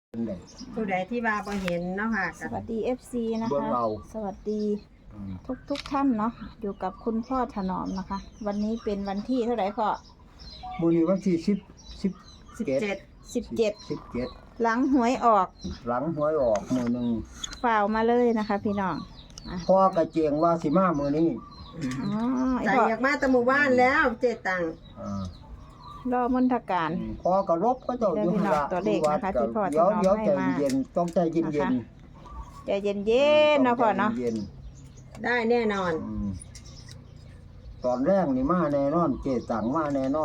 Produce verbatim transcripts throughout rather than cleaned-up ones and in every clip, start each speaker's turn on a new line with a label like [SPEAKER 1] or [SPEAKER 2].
[SPEAKER 1] ผู้ใดที่ว่าบ่เห็นเนาะค่ะ
[SPEAKER 2] สวัสดี เอฟ ซี นะ
[SPEAKER 3] เบิ่ง
[SPEAKER 2] คะ
[SPEAKER 3] เอา
[SPEAKER 2] สวัสดีทุกทุกท่านเนาะอยู่กับคุณพ่อถนอมนะคะ วันนี้เป็นวันที่เท่าไหร่พ่อ
[SPEAKER 3] มื้อนี้วันที่สิบ สิบ
[SPEAKER 1] สิบเจ็ด
[SPEAKER 2] สิบเจ็ด
[SPEAKER 3] สิบเจ็ด
[SPEAKER 2] หลังหวยออก
[SPEAKER 3] หลังหวยออกมื้อหนึง
[SPEAKER 2] ฝ่าวมาเลยนะคะ พี่น้องอ่ะ
[SPEAKER 3] พ่อกระเจียงว่าสิมามื้อนี้
[SPEAKER 2] อ๋อไอ้
[SPEAKER 1] ใจ
[SPEAKER 2] พ่อ
[SPEAKER 1] อยากมาแตะหมู่บ้านแล้วเจตัง
[SPEAKER 3] อ่าร
[SPEAKER 2] อมนทการ
[SPEAKER 3] พ่อก็รบก็เจ้าอยู่หั่นล่ะ
[SPEAKER 2] ตัวเลขนะคะที่พ่อ
[SPEAKER 3] เดี๋ยว
[SPEAKER 2] ถนอม
[SPEAKER 3] เดี๋ยว
[SPEAKER 2] ให้
[SPEAKER 3] ใจ
[SPEAKER 2] มา
[SPEAKER 3] เย็นต้องใจเย็น
[SPEAKER 2] นะ
[SPEAKER 3] เย็
[SPEAKER 2] คะ
[SPEAKER 3] น
[SPEAKER 2] ใจเย็นเย็นๆเนาะพ่อเนาะ
[SPEAKER 3] เย็น
[SPEAKER 1] ได้แน่นอน
[SPEAKER 3] อืมตอนแรกนี่มาแน่นอนเจตังมาแน่นอน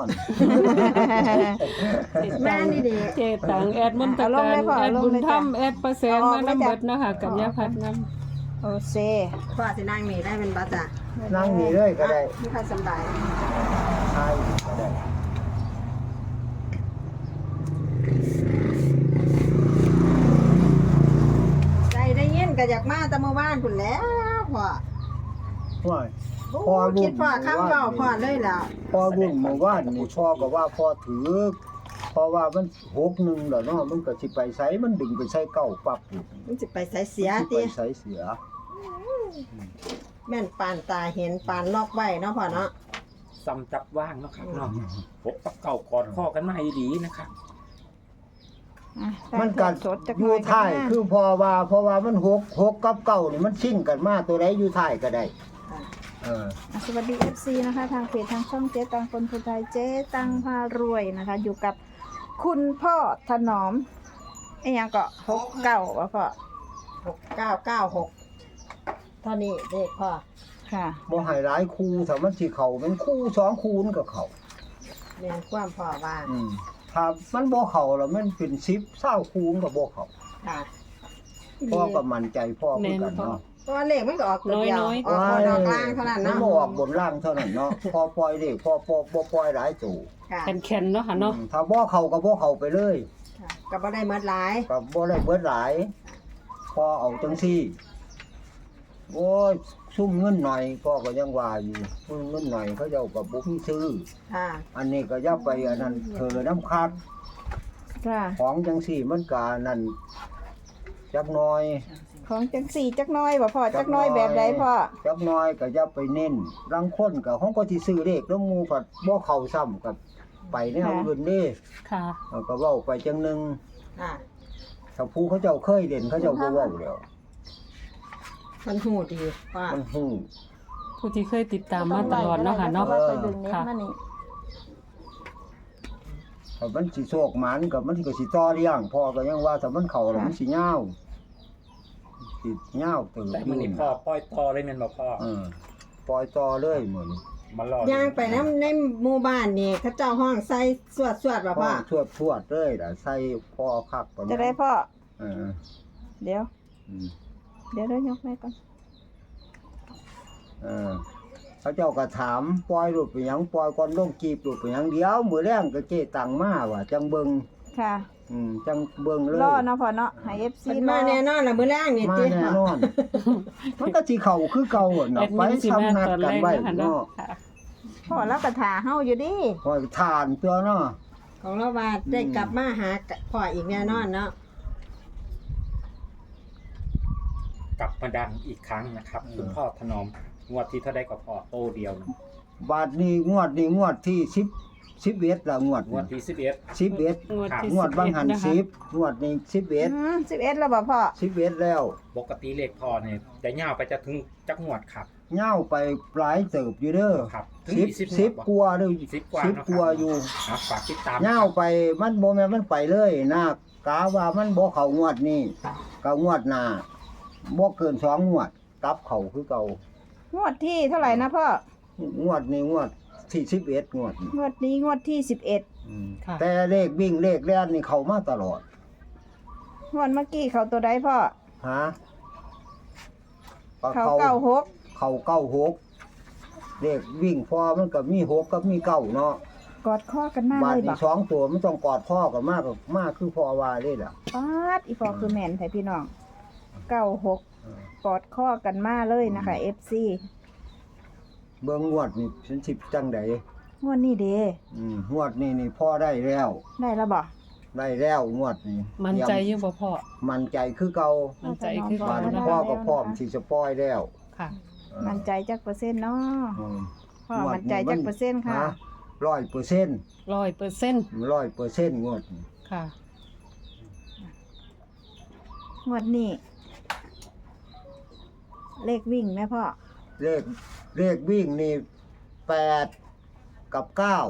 [SPEAKER 1] แม่นี่ดี
[SPEAKER 4] เจตังแอดมนต
[SPEAKER 2] เอาล
[SPEAKER 4] กาง ร
[SPEAKER 2] เลยพ่อ
[SPEAKER 4] แอด
[SPEAKER 2] ลง
[SPEAKER 4] บุญ
[SPEAKER 2] เลย
[SPEAKER 4] ธร
[SPEAKER 2] จ้ะ
[SPEAKER 4] รมแอดประแสง
[SPEAKER 2] เอาออก
[SPEAKER 4] มา
[SPEAKER 2] เลย
[SPEAKER 4] น้ำ
[SPEAKER 2] จ้ะ
[SPEAKER 4] เบิดเนาะค่ะกัญญาพัฒน์น
[SPEAKER 2] โอเซ
[SPEAKER 1] พ่อสินั่งนี่ได้เป็นบัสจ้ะ
[SPEAKER 3] นั่งนี่เลยก็ได้
[SPEAKER 1] มีใครสำบาย
[SPEAKER 3] ใช่ก็ได้
[SPEAKER 1] ใจได้ยินก็อยากมาแตะหมู่บ้านพุ่นแล้วพ่อ
[SPEAKER 3] ว่า
[SPEAKER 1] โอ้
[SPEAKER 3] พ่อรุ่น
[SPEAKER 1] คิดพ่อคำเว้าพ่อเลยแล้ว
[SPEAKER 3] พ่อรุ่นเมื่อวานนี่พ่อก็ว่าพ่อถือเพราะว่ามันหกหนึ่งแล้วเนาะมันก็สิไปไสมันดึงไปใส่เก้าปั๊บอยู่
[SPEAKER 1] มันสิไปใส่เสีย
[SPEAKER 3] สิ
[SPEAKER 1] ติ
[SPEAKER 3] ไปใส่เสีย
[SPEAKER 1] แม่นปานตาเห็นปานล็อกไว้เนาะพ่อเนาะ
[SPEAKER 5] ซ้ำจับว่างเนาะครับเนาะพกกับเก่ากอดข้อกันมาให้ดีนะครับ
[SPEAKER 2] อ่ะ
[SPEAKER 3] มันกัด
[SPEAKER 2] สดจาก
[SPEAKER 3] อยู่
[SPEAKER 2] หน่
[SPEAKER 3] ท้าย
[SPEAKER 2] นะ
[SPEAKER 3] คือพอว่าเพราะว่ามันหกหกกับเก้านี่มันชิ่งกันมาตัวใดอยู่ท้ายก็ได้
[SPEAKER 1] ค่ะ
[SPEAKER 3] เออ
[SPEAKER 2] อ่ะสวัสดี เอฟ ซี นะคะ ทางเพจทางช่องเจ๊ตังคนผู้ไทยเจ๊ตังพารวยนะคะ อยู่กับคุณพ่อถนอมไอ้ยังก็หกเก้าว่าพ่อ
[SPEAKER 1] หกเก้าเก้าหกเท่านี้เด็กพ่อ
[SPEAKER 2] ค่ะ
[SPEAKER 3] บ่ให้หลายคู่ถ้ามันสิเข้ามันคู่สองคู่มันก็เข้า
[SPEAKER 1] แม่นความพ่อว่า
[SPEAKER 3] อืมถ้ามันบ่เข้าแล้วมันเป็นสิบ เก้าคู่มันก็บ่เข้า
[SPEAKER 1] ค่ะ
[SPEAKER 3] พ่อก็มั่นใจพ่อคือกันเนาะ
[SPEAKER 1] เพราะว่าเลขมันก็ออกตัวเดียวออกบนออกล่างเท่านั้น
[SPEAKER 3] มัน
[SPEAKER 1] เนาะ
[SPEAKER 3] บ่ออกบนล่างเท่านั้นเนาะพอปล่อยเลขพอพอบ่ปล่อยหลายตู่
[SPEAKER 1] ค่ะ
[SPEAKER 4] ำแข็งๆเนาะค่ะเนาะ
[SPEAKER 3] อืมถ้าบ่เข้าก็บ่เข้าไปเลย
[SPEAKER 1] ค่ะก็บ่ได้เมิดหลาย
[SPEAKER 3] ก็บ่ได้เบิดหลาย พอเอาจังซี่ โอ้ยซุ่มเงินหน่อยพ่อก็ยังว่าอยู่ซุ่มเงินหน่อยเขาเจ้าก็บ่มีซื้อ
[SPEAKER 1] ค่ะ
[SPEAKER 3] อันนี้ก็อย่าไปอันนั้นเธอน้ำคัด
[SPEAKER 2] ค่ะ
[SPEAKER 3] ของจังซี่มันก็นั่นจักหน่อย
[SPEAKER 2] ของจักสี่จักน้อยบ่พ่อจักน้อยแบบใดพ่อ
[SPEAKER 3] จักหน่อยก็อย่าไปเน้นรังคนก็ของก็สิซื้อเลขแล้วหมู่ก็บ่เข้าซ้ำกับไปแนวอื่นเด้
[SPEAKER 4] ค่ะ
[SPEAKER 3] เออก็เว้าไปจังหนึง
[SPEAKER 1] ค่ะ
[SPEAKER 3] ถ้าผู้เขาเจ้าเคยเล่นเขาเจ้าบ่เว้าแล้ว
[SPEAKER 1] มันหูดีว่า
[SPEAKER 3] มันฮู้
[SPEAKER 4] ผู้ที่เคยติดตามมาตลอดเนาะค่ะเนาะ
[SPEAKER 2] พ่อไปดึงเน็ต
[SPEAKER 4] ค่ะ
[SPEAKER 2] มานี่
[SPEAKER 3] ถ้ามันสิโชคหมันก็มันก็สิต่อเลี้ยงพ่อก็ยังว่าถ้ามันเข้าแล้วมันสิยาวสิยาวเติบ
[SPEAKER 5] แต่
[SPEAKER 3] อ
[SPEAKER 5] มัน
[SPEAKER 3] ยู่
[SPEAKER 5] นี่พ่อปล่อยต่อเลยแม่นบ่พ่อ
[SPEAKER 3] เออปล่อยต่อเลยเหมือน
[SPEAKER 5] มารอย่าง
[SPEAKER 1] ไปน้ำในหมู่บ้านนี่เขาเจ้าห้องใส่สวดสวดๆว่า
[SPEAKER 3] พ่อ
[SPEAKER 1] พ่อ
[SPEAKER 3] ชวดชวดเลยล่ะใส่พ่อคักปาน
[SPEAKER 2] จะ
[SPEAKER 3] นั้น
[SPEAKER 2] ได้พ่อ
[SPEAKER 3] เออ
[SPEAKER 2] เดี๋ยว
[SPEAKER 3] อืม
[SPEAKER 2] เดี๋ยวเดี๋ยวยกไว้ก่อน
[SPEAKER 3] เออเขาเจ้าก็ถามปล่อยรูปไปหยังปล่อยก่อนลงกีบรูปไปหยังเดี๋ยวมื้อแรงก็เจตังมาว่าจังเบิ่ง
[SPEAKER 2] ค่ะ
[SPEAKER 3] อืมจังเบิ่งเลย
[SPEAKER 2] รอเนาะพ่อเนาะให้ เอฟ ซี
[SPEAKER 1] มันมาแน่นอนล่ะมื้อแรกนี่
[SPEAKER 3] มา
[SPEAKER 1] ติ
[SPEAKER 3] แน่นอน มันก็สิเข้าคือเก่าอะ
[SPEAKER 4] แอ
[SPEAKER 3] เนาะ
[SPEAKER 4] ด
[SPEAKER 3] ไป
[SPEAKER 4] มินสิ
[SPEAKER 3] ทำ
[SPEAKER 4] มา
[SPEAKER 3] นัด
[SPEAKER 4] ตอน
[SPEAKER 3] กั
[SPEAKER 4] แร
[SPEAKER 3] น
[SPEAKER 4] ก
[SPEAKER 3] ไว้
[SPEAKER 4] เนาะค่ะเนาะ
[SPEAKER 3] เนาะ
[SPEAKER 4] ค่ะ
[SPEAKER 2] พ่อแล้วก็ถ่าเฮาอยู่ดิ
[SPEAKER 3] คอยทานตัวเนาะ
[SPEAKER 1] ของเราว่าได้กลับมาหาพ่ออีกแน่นอนเนาะ
[SPEAKER 5] กลับมาดังอีกครั้งนะครับคุณพ่อถนอมงวดที่เท่าใดก็พอโตเดียวนะ
[SPEAKER 3] บาทนี้งวดนี้งวดที่สิบ สิบเอ็ดละงวด
[SPEAKER 5] งวดที่สิบเอ็ด
[SPEAKER 3] สิบเอ็ด
[SPEAKER 4] งวดที่
[SPEAKER 3] งวดบางหัน
[SPEAKER 4] สิ
[SPEAKER 3] สิ
[SPEAKER 4] บบ
[SPEAKER 3] งวดนี้สิบเอ็ด
[SPEAKER 2] อืมสิบเอ็ดแล้วบ่พ่อ
[SPEAKER 3] สิบเอ็ดแล้ว
[SPEAKER 5] ปกติเลขพ่อเนี่ยจะยาวไปจะถึงจักงวดครับ
[SPEAKER 3] เง่าไปหลายเติบอยู่เด้อ
[SPEAKER 5] ครับถึง
[SPEAKER 3] สิบ
[SPEAKER 5] ยี่สิบ
[SPEAKER 3] สิบ
[SPEAKER 5] งวด
[SPEAKER 3] กว่าเด้อ
[SPEAKER 5] สิบกว่า
[SPEAKER 3] สิบ
[SPEAKER 5] เนาะ
[SPEAKER 3] กว่าอยู่
[SPEAKER 5] ครับฝากติดตาม
[SPEAKER 3] เง่าไปมันบ่แม่นมันไปเลยนะกะว่ามันบ่เข้างวดนี้ก็งวดหน้าบ่เกินสองงวดกลับเข้าคือเก่าง
[SPEAKER 2] วดที่เท่าไหร่นะพ่อง
[SPEAKER 3] วดนี้งวดที่สิบเอ็ดงวดนี้
[SPEAKER 2] งวดนี้งวดที่สิบเอ็ด
[SPEAKER 3] อืม
[SPEAKER 4] ค่ะ
[SPEAKER 3] แต่เลขวิ่งเลขแล่นนี่เข้ามาตลอด
[SPEAKER 2] งวดเมื่อกี้เขาตัวใดพ่อ
[SPEAKER 3] ฮะก็
[SPEAKER 2] เขาเก้าหก
[SPEAKER 3] เข้าเก้าหกเลขวิ่งพอมันก็มีหกกับมีเก้าเนาะ
[SPEAKER 2] กอดข้อกันมา
[SPEAKER 3] บาท
[SPEAKER 2] เลยบ่
[SPEAKER 3] ที่สองตัวมันต้องกอดพ่อกันมากกับมากคือพ่อว่าเลยล่ะ
[SPEAKER 2] ปาดอีพ่อคือแม่นไทพี่น้องเก้าหกกอดข้อกันมาเลยนะคะ เอฟ ซี
[SPEAKER 3] เบิ่งงวดนี่ฉันสิบจังได
[SPEAKER 2] งวดนี้เด้
[SPEAKER 3] อืมงวดนี่นี่พ่อได้แล้ว
[SPEAKER 2] ได้แล้วบ่
[SPEAKER 3] ได้แล้วงวดนี้
[SPEAKER 4] มั่นใจอยู่บ่พ่อ
[SPEAKER 3] มั่นใจคือเก่า
[SPEAKER 4] มั่นใจคือ
[SPEAKER 3] บ้า
[SPEAKER 4] เก่าน เนาะ
[SPEAKER 3] พ่อก็พร้อมสิสปอยแล้ว
[SPEAKER 4] ค่ะ
[SPEAKER 3] เออ
[SPEAKER 2] มั่นใจจักเปอร์เซ็นต์เนาะ
[SPEAKER 3] อืม
[SPEAKER 2] พ่อมั่นใจจักเปอร์เซ็นต์ค่ะ
[SPEAKER 3] ฮะร้อยเปอร์เซ็นต์
[SPEAKER 4] ร้อยเปอร์เซ็นต์
[SPEAKER 3] ร้อยเปอร์เซ็นต์งวดนี้
[SPEAKER 4] ค่ะ
[SPEAKER 2] งวดนี้เลขวิ่งแม่พ่อ
[SPEAKER 3] เลขเลขวิ่งนี่แปดกับเก้า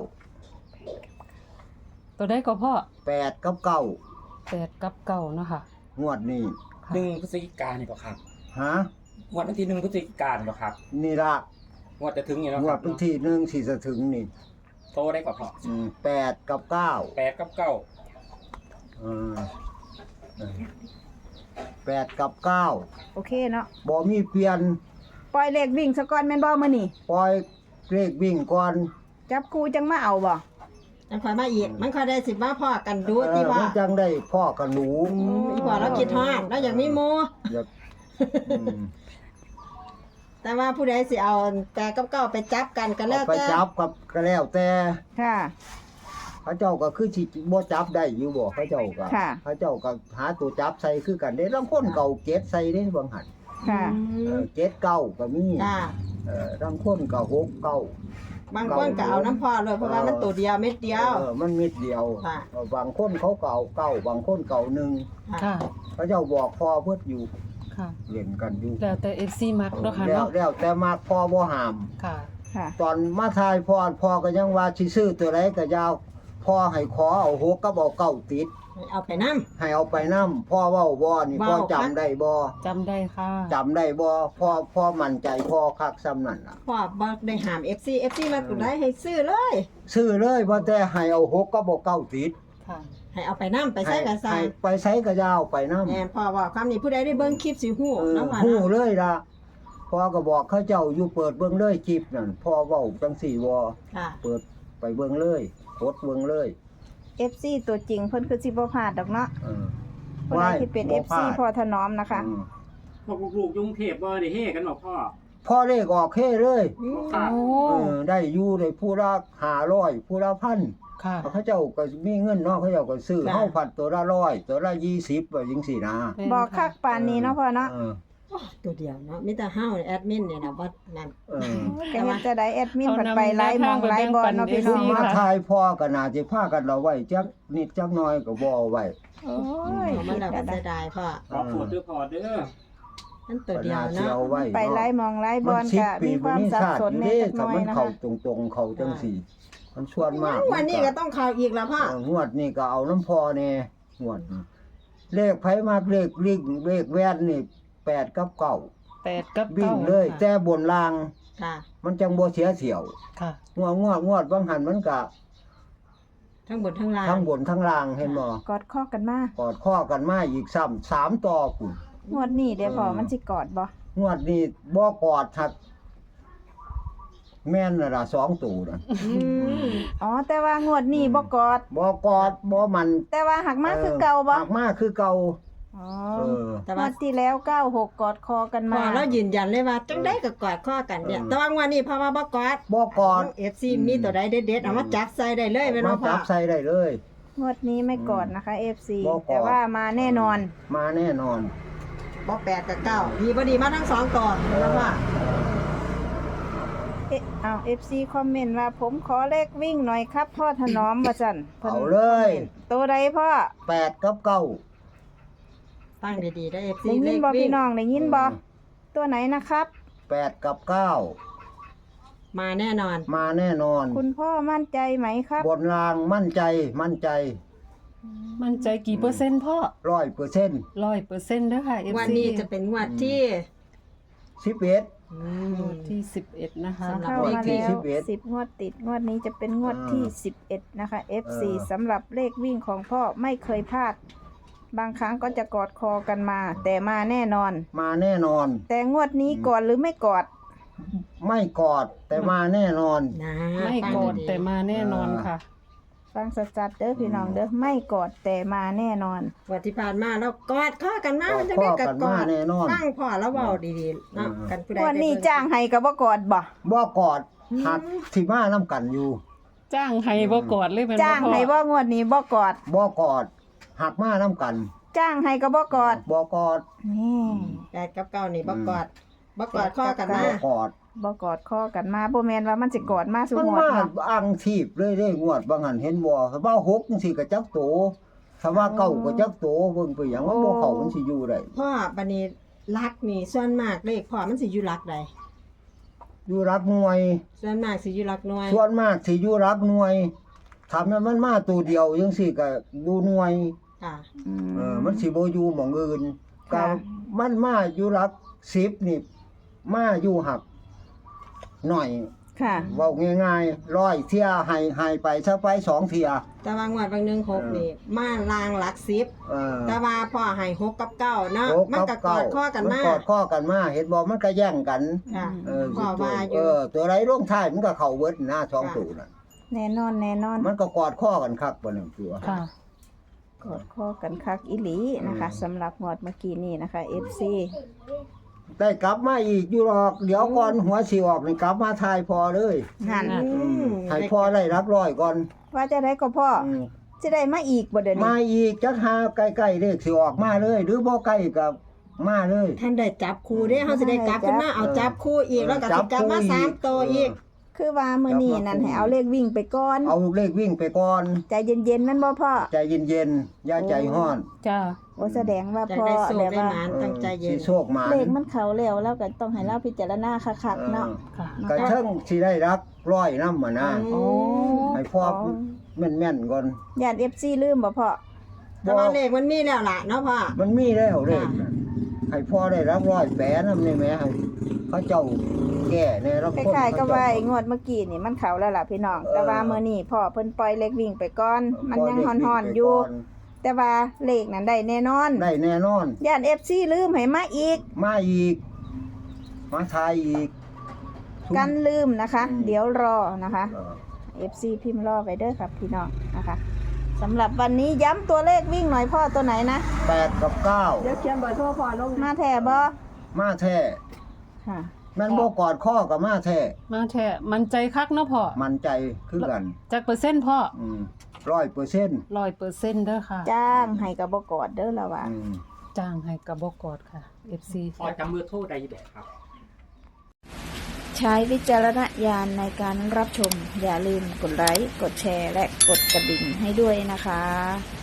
[SPEAKER 4] ตัวได้ก็พ่อ
[SPEAKER 3] แปดกับเก้า
[SPEAKER 4] แปดกับเก้าเนาะค่ะ
[SPEAKER 3] งวดนี้
[SPEAKER 4] ค่ะ
[SPEAKER 5] หนึ่งพฤศจิกายนนี่ก็ครับ
[SPEAKER 3] ฮะ
[SPEAKER 5] งวดวันที่หนึ่งพฤศจิกายนนี่ก็ครับ
[SPEAKER 3] นี่ละ
[SPEAKER 5] งวดจะถึงอยู่แล้ว
[SPEAKER 3] ง
[SPEAKER 5] คว รั
[SPEAKER 3] ด
[SPEAKER 5] บ
[SPEAKER 3] วันที่หนึ่งที่จะถึงนี่
[SPEAKER 5] โตได้ก็พอ
[SPEAKER 3] อืมแปดกับเก้า
[SPEAKER 5] แปดกับเก้า
[SPEAKER 3] เออเออแปดกับเก้า
[SPEAKER 2] โอเคเนาะ
[SPEAKER 3] บ่มีเปลี่ยน
[SPEAKER 2] ปล่อยเลขวิ่งซะก่อนแม่นบ่มื้อนี้
[SPEAKER 3] ปล่อยเลขวิ่งก่อน
[SPEAKER 2] จับคู่จังมาเอาบ่
[SPEAKER 1] มันค่อยมาอีกมันค่อยได้สิมาพ่อกันดู
[SPEAKER 3] เอ
[SPEAKER 1] ที่
[SPEAKER 3] อ
[SPEAKER 1] ว่า
[SPEAKER 3] มันจังได้พ่อกับหนู
[SPEAKER 1] อีพ่อเราคิดฮอดเราอยากมีหมู่
[SPEAKER 3] อย่าอืม
[SPEAKER 1] แต่ว่าผู้ใดสิเอาแต่กับเก้าไปจับกันก็แล้ว
[SPEAKER 3] เอาไป
[SPEAKER 1] แต่
[SPEAKER 3] จับกับก็แล้วแต่
[SPEAKER 2] ค่ะ
[SPEAKER 3] พระเจ้าก็คือสิบ่จับได้อยู่บ่พระเจ้าก็
[SPEAKER 2] ค่ะ
[SPEAKER 3] พระเจ้าก็หาตัวจับใส่คือกันเด้ลางคนเก่าเก็ดใส่เด้บางหัน
[SPEAKER 2] ค่ะ
[SPEAKER 1] อื
[SPEAKER 3] เอ
[SPEAKER 1] ม
[SPEAKER 3] อเก็ดเก้าก็มี
[SPEAKER 1] จ้า
[SPEAKER 3] เออลางคนก็หกเก้า
[SPEAKER 1] บางคนก็เอาน้ำพ่อเลยเพราะว่ามันตัวเดียวเม็ดเดียว
[SPEAKER 3] เออมันมิดเดียว
[SPEAKER 1] ค่ะ
[SPEAKER 3] เออบางคนเขาเก่าเก้าบางคนเก่าหนึ่ง
[SPEAKER 4] ค่ะ
[SPEAKER 3] พระเจ้าบอกพ่อเพิ่นอยู่
[SPEAKER 4] ค่ะ
[SPEAKER 3] เล่นกันอยู่
[SPEAKER 4] แล้วแต่ เอฟ ซี มักเนาะค่ะ
[SPEAKER 3] แล้ว
[SPEAKER 4] เนาะ
[SPEAKER 3] แล้วแต่มากพ่อบ่ห้าม
[SPEAKER 4] ค่ะ
[SPEAKER 2] ค่ะ
[SPEAKER 3] ตอนมาทายพ่อพ่อก็ยังว่าสิซื้อตัวใดก็ยาวพ่อให้ขอเอาหกกับเอาเก้าติด
[SPEAKER 1] เอาไปนำ
[SPEAKER 3] ให้เอาไปนำพ่อเว้าบ่นี่พ่อ
[SPEAKER 1] เว้า
[SPEAKER 3] จำได้บ่
[SPEAKER 4] จำได้ค่ะ
[SPEAKER 3] จำได้บ่พ่อพ่อมั่นใจพ่อคักซ้ำนั่นล่ะ
[SPEAKER 1] พ่อบ่ได้หาม เอฟ ซี เอฟ ซี มาตัวใดให้ซื้อเลย
[SPEAKER 3] ซื้อเลยว่าแต่ให้เอาหกกับเอาเก้าติด
[SPEAKER 4] ค่ะ
[SPEAKER 1] ให้เอาไปนำไปใส่กันซะ
[SPEAKER 3] ให้ไปใช้ก็ยาวไปนำ
[SPEAKER 1] แม่นพ่อว่าความนี้ผู้ใดได้เบิ่งคลิปสิฮู้
[SPEAKER 3] เออ
[SPEAKER 1] น้ำว่า
[SPEAKER 3] ฮู้
[SPEAKER 1] นะ
[SPEAKER 3] เลยล่ะพ่อก็บอกเขาเจ้าอยู่เปิดเบิ่งเลยคลิปนั่นพ่อเว้าจังสี่บ่
[SPEAKER 1] ค่ะ
[SPEAKER 3] เปิดไปเบิ่งเลยกดเบิ่งเลย
[SPEAKER 2] เอฟ ซี ตัวจริงเพิ่นคือสิบ่พลาดดอกเนาะ
[SPEAKER 3] เออ
[SPEAKER 2] ผู้ใดที่เป็น
[SPEAKER 3] บ่
[SPEAKER 2] เอฟ
[SPEAKER 3] พลา
[SPEAKER 2] ซี
[SPEAKER 3] ด
[SPEAKER 2] พอถนอมนะคะ
[SPEAKER 3] อืม
[SPEAKER 5] พวกลูกๆยุงเทพบ่ได้เฮกันบอกพ่อ
[SPEAKER 3] พ่อเลขออกเฮ้เลย
[SPEAKER 5] ครับ
[SPEAKER 4] โอ้
[SPEAKER 3] เออได้อยู่ได้ผู้ละห้าร้อยผู้ละพัน
[SPEAKER 4] ค่ะ
[SPEAKER 3] เขาเจ้าก็มีเงินเนาะเขาเจ้าก็ซื้อ
[SPEAKER 1] จ้ะ
[SPEAKER 3] เฮาพันตัวละร้อยตัวละยี่สิบว่าจังซี่นะ
[SPEAKER 4] แม่น
[SPEAKER 2] บอกคักปานนี้เนาะพ่อเนาะ
[SPEAKER 3] เออ
[SPEAKER 1] ตัวเดียวเนาะมีแต่เฮาแอดมินเนี่ยนะว่านั่น
[SPEAKER 3] เออ
[SPEAKER 2] ก็เฮ็ดจะได้แอดมินบัดไปไลฟ์มองไลฟ์บอลเนาะพี่น้อง
[SPEAKER 3] มา
[SPEAKER 2] เนาะ
[SPEAKER 3] ทายพ่อก็น่าสิพากันเอาไว้จักนิดจักหน่อยก็บ่เอาไว้
[SPEAKER 2] โอ้ย
[SPEAKER 1] เอามันแล้วก็
[SPEAKER 2] คิด
[SPEAKER 1] เสี
[SPEAKER 2] ได้
[SPEAKER 1] ยดายพ่อ
[SPEAKER 5] ขอโทษด้วยพ่อเด้อ
[SPEAKER 1] นั่นตัว
[SPEAKER 3] ก็
[SPEAKER 1] เดียว
[SPEAKER 3] น่าสิ
[SPEAKER 1] เนาะ
[SPEAKER 3] เอาไว้
[SPEAKER 2] ไปไลฟ์มองไลฟ์บอล
[SPEAKER 3] สิบ
[SPEAKER 2] ก็
[SPEAKER 3] ปี
[SPEAKER 2] มีค
[SPEAKER 3] บ่
[SPEAKER 2] วาม
[SPEAKER 3] มี
[SPEAKER 2] สับ
[SPEAKER 3] ชาติ
[SPEAKER 2] สน
[SPEAKER 3] อยู่
[SPEAKER 2] แน่
[SPEAKER 3] เด้
[SPEAKER 2] จักห
[SPEAKER 3] ถ้า
[SPEAKER 2] น่อย
[SPEAKER 3] มัน
[SPEAKER 2] นะ
[SPEAKER 3] เข้า
[SPEAKER 2] คะ
[SPEAKER 3] ตรงๆเข้าจังซี่มันส่วนมาก
[SPEAKER 1] วันนี้ก็ต้องเข้าอีกแล้วพ่อ
[SPEAKER 3] เอองวดนี้ก็เอาน้ำพอแน่งวดนี้เลขไผมากเลขลิงเลขแว่นนี่แปดกับเก้า
[SPEAKER 4] แปดกับ
[SPEAKER 3] วิ่
[SPEAKER 4] เก้าง
[SPEAKER 3] เลย
[SPEAKER 4] ค่ะ
[SPEAKER 3] แต่บนล่าง
[SPEAKER 1] ค่ะ
[SPEAKER 3] มันจังบ่เสียเที่ยว
[SPEAKER 4] ค่ะ
[SPEAKER 3] งวดงวดงวดบางหันมันก็
[SPEAKER 1] ทั้งบนทั้งล่าง
[SPEAKER 3] ทั้งบนทั้งล่างเห็นบ่
[SPEAKER 2] กอดข้อกันมาก
[SPEAKER 3] อดข้อกันมาอีกซ้ำสามต่อพุ่น
[SPEAKER 2] งวดนี้เดี๋ยวพอ
[SPEAKER 3] เออ
[SPEAKER 2] มันสิกอดบ่
[SPEAKER 3] งวดนี้บ่กอดทักแม่นน่ะล่ะสองตัวน่ะ
[SPEAKER 1] อืม
[SPEAKER 2] อ๋อแต่ว่างวดนี้บ่กอด
[SPEAKER 3] บ่กอดบ่มัน
[SPEAKER 2] แต่ว่าหักมาคือเก่าบ่
[SPEAKER 3] หักมาคือเก่า
[SPEAKER 2] อ๋อ
[SPEAKER 3] เออ
[SPEAKER 1] แต่
[SPEAKER 2] ง
[SPEAKER 1] ว่าว
[SPEAKER 2] ดที่แล้วเก้าหกกอดคอกัน
[SPEAKER 1] พ่อ
[SPEAKER 2] มา
[SPEAKER 1] เรายืนยันเลยว่าจังได้ก็กอดข้อกันเนี่ย
[SPEAKER 3] เออ
[SPEAKER 1] แต่ว่างวันนี้พ่อว่าบ่กอด
[SPEAKER 3] บ่กอด
[SPEAKER 1] เอฟซีมีตัวใดเด็ดๆเอามาจับใส่ได้เลยแม่น
[SPEAKER 3] มา
[SPEAKER 1] บ่พ่อ
[SPEAKER 3] จับใส่ได้เลย
[SPEAKER 2] งวดนี้ไม่กอดนะคะ เอฟ ซี
[SPEAKER 3] บ่กอด
[SPEAKER 2] แต่ว่ามาแน่นอน
[SPEAKER 3] มาแน่นอน
[SPEAKER 1] บ่แปดกับเก้าดีบ่ดีมาทั้งสองตัวแม่นบ่พ่อ
[SPEAKER 2] เอ๊ะเอา เอฟ ซี คอมเมนต์ว่าผมขอเลขวิ่งหน่อยครับพ่อถนอมว่าซั่นพิ่น
[SPEAKER 3] เอาเลย
[SPEAKER 2] ตัวใดพ่อ
[SPEAKER 3] แปดกับเก้า
[SPEAKER 1] ฟังดีๆได้ เอฟ ซี
[SPEAKER 2] ได้
[SPEAKER 1] เล
[SPEAKER 2] ยิน
[SPEAKER 1] ข
[SPEAKER 2] บ่
[SPEAKER 1] วิ่
[SPEAKER 2] พี่
[SPEAKER 1] ง
[SPEAKER 2] น้องได้ยินบ่ตัวไหนนะครับ
[SPEAKER 3] แปดกับเก้า
[SPEAKER 1] มาแน่นอน
[SPEAKER 3] มาแน่นอน
[SPEAKER 2] คุณพ่อมั่นใจไหมครับ
[SPEAKER 3] บนรางมั่นใจมั่นใจ
[SPEAKER 4] มั่นใจกี่เปอร์เซ็นต์พ่อ
[SPEAKER 3] ร้อยเปอร์เซ็นต์
[SPEAKER 4] ร้อยเปอร์เซ็นต์เด้อค่ะ เอฟ
[SPEAKER 1] วัน
[SPEAKER 4] ซี
[SPEAKER 1] นี้จะเป็นงวดที่
[SPEAKER 3] สิบเอ็ด
[SPEAKER 1] อื
[SPEAKER 4] งว
[SPEAKER 1] ม
[SPEAKER 4] ดที่สิบเอ็ดนะคะ
[SPEAKER 1] สำหรับ
[SPEAKER 2] เข้ามา
[SPEAKER 3] ที่
[SPEAKER 2] แล้ว
[SPEAKER 3] สิบเอ็ด
[SPEAKER 2] สิบงวดติดงวดนี้จะเป็นงวดที่
[SPEAKER 3] เออ
[SPEAKER 2] สิบเอ็ดนะคะ เอฟ ซี
[SPEAKER 3] เออ
[SPEAKER 2] สำหรับเลขวิ่งของพ่อไม่เคยพลาด บางครั้งก็จะกอดคอกันมา แต่มาแน่นอน
[SPEAKER 3] มาแน่นอน
[SPEAKER 2] แต่งวดนี้กอดหรือไม่กอด
[SPEAKER 3] ไม่กอดแต่มาแน่นอน
[SPEAKER 1] นะ
[SPEAKER 4] ไม่
[SPEAKER 1] ฟัง
[SPEAKER 4] กอด
[SPEAKER 1] ๆ
[SPEAKER 4] แต่มาแน่นอนค่ะ
[SPEAKER 2] ฟังสัดๆเด้อพี่น้องเด้อไม่กอดแต่มาแน่นอน
[SPEAKER 1] งวันที่ผ่านมาเรากอดข้อกันมาก
[SPEAKER 3] อ
[SPEAKER 1] มัน
[SPEAKER 3] ด
[SPEAKER 1] จะ
[SPEAKER 3] ข้
[SPEAKER 1] ได้
[SPEAKER 3] อ
[SPEAKER 1] กั
[SPEAKER 3] กัน
[SPEAKER 1] ก
[SPEAKER 3] มา
[SPEAKER 1] อด
[SPEAKER 3] แน่นอน
[SPEAKER 1] ฟังพ่อแล้วเว้าดีๆเนาะ
[SPEAKER 3] เออ
[SPEAKER 1] กันผู้ใด
[SPEAKER 2] งวดนี้
[SPEAKER 1] ได้เบิ่
[SPEAKER 2] จ้างให้ก็บ่กอดบ่
[SPEAKER 3] บ่กอดหักที่มาน้ำกันอยู่
[SPEAKER 4] จ้างให้บ่กอดเลยแม่นบ่
[SPEAKER 2] จ้าง
[SPEAKER 4] พ่อ
[SPEAKER 2] ให้บ่งวดนี้บ่กอด
[SPEAKER 3] บ่กอดหักมาน้ำกัน
[SPEAKER 2] จ้างให้ก็บ่กอด
[SPEAKER 3] บ่กอด
[SPEAKER 2] นี่
[SPEAKER 1] แปดกับเก้านี่บ่กอดบ่กอดข้อกันมา
[SPEAKER 3] บ่กอด
[SPEAKER 2] บ่กอดข้อกันมาบ่แม่นว่ามันสิกอดมาสู่
[SPEAKER 3] มัน
[SPEAKER 2] งวด
[SPEAKER 3] มา
[SPEAKER 2] เนาะ
[SPEAKER 3] อังทีบเลยเด้งวดบางหันเห็นบ่ถ้าว่าหกจังซี่ก็จักโตถ้าว่าเก้าก็จักโตเบิ่งไปหยังมันบ่เข้ามันสิอยู่ได้
[SPEAKER 1] พ่อบัดนี้รักนี่ส่วนมากเลขพ่อมันสิอยู่รักใด
[SPEAKER 3] อยู่รักหน่วย
[SPEAKER 1] ส่วนมากสิอยู่รักหน่วย
[SPEAKER 3] ส่วนมากสิอยู่รักหน่วยทำให้มันมาตัวเดียวจังซี่ก็ดูหน่วย
[SPEAKER 1] ค่ะ
[SPEAKER 2] อืม
[SPEAKER 3] เออมันสิบ่อยู่หม่องอื่นก็
[SPEAKER 2] ค่ะ
[SPEAKER 3] มันมาอยู่รักสิบนี่มาอยู่หักหน่อย
[SPEAKER 2] ค่ะ
[SPEAKER 3] เว้าง่ายๆร้อยเที่ยให้ให้ไปซะไปสองเที่ย
[SPEAKER 1] แต่ว่างวดบางหนึงหกนี่มาลางหลักสิบ
[SPEAKER 3] เออ
[SPEAKER 1] แต่ว่าพ่อให้หกกับเก้าเนาะ
[SPEAKER 3] โอ้
[SPEAKER 1] มันก็กอดข้อกันมา
[SPEAKER 3] กอดข้อกันมาเห็นบ่มันก็แย่งกัน
[SPEAKER 1] ค่ะ
[SPEAKER 3] เออ
[SPEAKER 1] พ่อว่าอยู่
[SPEAKER 3] เออตัวไรลงท้ายมันก็เข้าเบิดหน้าสองตัวน่ะ
[SPEAKER 2] แน่นอนแน่นอน
[SPEAKER 3] มันก็กอดข้อกันคักบ่นึงตัว
[SPEAKER 4] ค่ะ
[SPEAKER 2] กอดข้อกันคักอีหลีนะคะสำหรับงวดเมื่อกี้นี่นะคะ เอฟ ซี
[SPEAKER 3] ได้กลับมาอีกอยู่หรอกเดี๋ยวก่อนหัวสิออกนี่กลับมาทายพอเลย
[SPEAKER 2] หัน
[SPEAKER 1] อืม
[SPEAKER 3] ให้พอได้รับร้อยก่อน
[SPEAKER 2] ว่าจะได้ก็พ่อ
[SPEAKER 3] อืม
[SPEAKER 2] จะได้มาอีกบ่เดี๋ยวนี้
[SPEAKER 3] มาอีกจักหาใกล้ๆเลขสิออกมาเลย หรือบ่ใกล้ก็มาเลย
[SPEAKER 1] ท่านได้จับคู่เด้เฮาสิได้กลับขึ้นมาเอาจับคู่อีกแล้วก็สิกลับมาสามตัวอีก
[SPEAKER 2] คือว่ามื้อนี้นั่นให้เอาเลขวิ่งไปก่อน
[SPEAKER 3] เอาเลขวิ่งไปก่อน
[SPEAKER 2] ใจเย็นๆนั่นบ่พ่อ
[SPEAKER 3] ใจเย็นๆอย่าใจร้อน
[SPEAKER 4] จ้า
[SPEAKER 2] โอ้แสดงว่า
[SPEAKER 1] จะ
[SPEAKER 2] พ่อ
[SPEAKER 1] ได้โชค
[SPEAKER 2] แบบ
[SPEAKER 1] ได้
[SPEAKER 2] ว่า
[SPEAKER 1] หมานตั้งใจเย็
[SPEAKER 3] สิ
[SPEAKER 1] น
[SPEAKER 3] โชคมา
[SPEAKER 2] เลขมันเขาแล้วแล้วก็ต้องให้เราพิจารณาคักๆเนาะ
[SPEAKER 4] ค่ะ
[SPEAKER 3] กระเทิงสิได้รับร้อยนำมานะ
[SPEAKER 1] โอ้
[SPEAKER 3] ให้พ่อแม่นๆก่อน
[SPEAKER 2] ญาติ เอฟ ซี ลืมบ่พ่อ
[SPEAKER 1] แต่ว่าเลขมันมีแล้วล่ะเนาะพ่อ
[SPEAKER 3] มันมีแล้วเลขน่ะให้พ่อได้รับร้อยแปะนำได้แม่ให้เขาเจ้าแก่ในรับ
[SPEAKER 2] ค
[SPEAKER 3] คน
[SPEAKER 2] ล้ายๆกับ
[SPEAKER 3] เข
[SPEAKER 2] ว่า
[SPEAKER 3] เจ้
[SPEAKER 2] ไอ้งวดเมื่อกี้นี่มันเขาแล้วล่ะพี่น้อง
[SPEAKER 3] เออ
[SPEAKER 2] แต่ว่ามื้อนี้พ่อเพิ่นปล่อยเลขวิ่งไปก่อน มันยัง
[SPEAKER 3] พ่
[SPEAKER 2] ฮ้อน
[SPEAKER 3] ได้
[SPEAKER 2] ๆอยู่
[SPEAKER 3] ไปก่
[SPEAKER 2] แต่ว่าเลขนั้นได้แน่นอน
[SPEAKER 3] ได้แน่นอน
[SPEAKER 2] ญาติ เอฟ ซี ลืมให้มาอีก
[SPEAKER 3] มาอีก มาทายอีก
[SPEAKER 2] กันลืมนะคะ
[SPEAKER 3] อืม
[SPEAKER 2] เดี๋ยวรอนะคะ
[SPEAKER 3] เออ
[SPEAKER 2] เอฟ ซี พิมพ์รอไปเด้อครับพี่น้องนะคะสำหรับวันนี้ย้ำตัวเลขวิ่งหน่อยพ่อตัวไหนนะ
[SPEAKER 3] แปดกับเก้า
[SPEAKER 1] เดี๋ยวเขียนเบอร์โทรพ่อลง
[SPEAKER 2] มาแท้บ่
[SPEAKER 3] มาแท้
[SPEAKER 2] ค่ะ
[SPEAKER 3] แมันบ่กอดข้อกับมาแท้
[SPEAKER 4] มาแท้มันใจคักเนาะพ่อ
[SPEAKER 3] มันใจคือกัน
[SPEAKER 4] จักเปอร์เซ็นต์พ่อ
[SPEAKER 3] อืมร้อยเปอร์เซ็นต์
[SPEAKER 4] ร้อยเปอร์เซ็นต์เด้อค่ะ
[SPEAKER 2] จ้างให้กับบ่กอดเด้อละว่า
[SPEAKER 3] อืม
[SPEAKER 4] จ้างให้กับบ่กอดค่ะ เอฟ ซี
[SPEAKER 5] พอจำเบอร์โทรได้แบบครับ
[SPEAKER 2] ใช้วิจารณญาณในการรับชม อย่าลืมกดไลค์ กดแชร์ และกดกระดิ่งให้ด้วยนะคะ